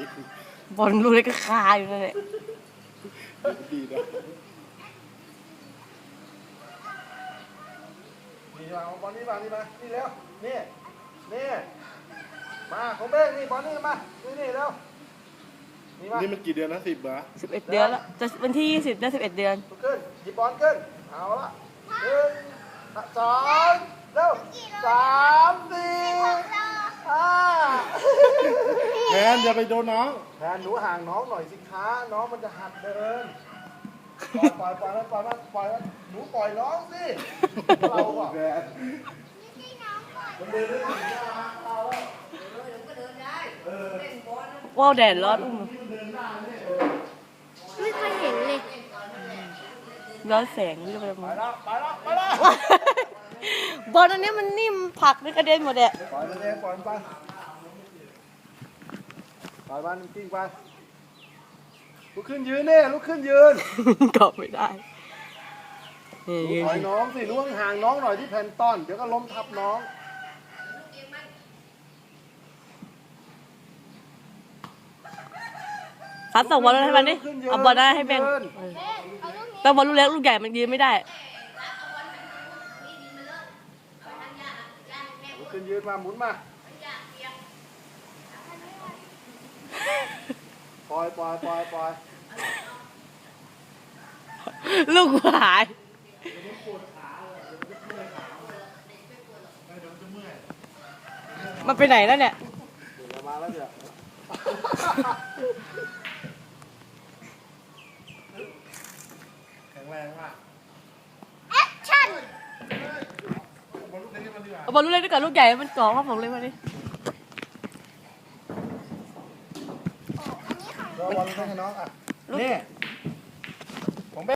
บอลลูกเล็กก็คาอยู่นั่นแหละดีนะนี่มาบอลนี่มานี่มานี่แล้วนี่มาของเบ้งนี่บอลนี่มานี่แล้วนี่มันกี่เดือนนะ10 บาท 11 เดือนแล้วจะวันที่20ได้11 เดือนขึ้นหยิบบอลขึ้นเอาละ1 2เร็ว3 4 5แทนอย่าไปโดนน้องแทนหนูห่างน้องหน่อยสิคะน้องมันจะหัดเดินปล่อยมันหนูปล่อยน้องสิเราอะมันเดินได้ถึงเราว้าวแดดร้อนไม่เคยเห็นเลยร้อนแสงนี่ก็ไปไปแล้วบอลอันนี้มันนิ่มผักไม่กระเด็นหมดแหละปล่อยมันเองปล่อยมันไปปล่อยมันกิ้งไปลุกขึ้นยืนเนี่ยลุกขึ้นยืนเกาะไม่ได้ปล่อยน้องสิล่วงห่างน้องหน่อยที่แพนต้อนเดี๋ยวก็ล้มทับน้องซัดส่งบอลให้มันดิเอาบอลได้ให้แบงแต่บอลลูกเล็กลูกใหญ่มันยืนไม่ได้ลุกขึ้นยืนมาหมุนมาปล่อยลูกหายมันไปไหนแล้วเนี่ยเดี๋ยวมาแล้วเดี๋ยวแข็งแรงมากแอคชั่นเอาบอลลูกเล็กด้วยกับลูกใหญ่มันก่อว่าผมเลยมาดิเราบอลให้น้องอ่ะนี่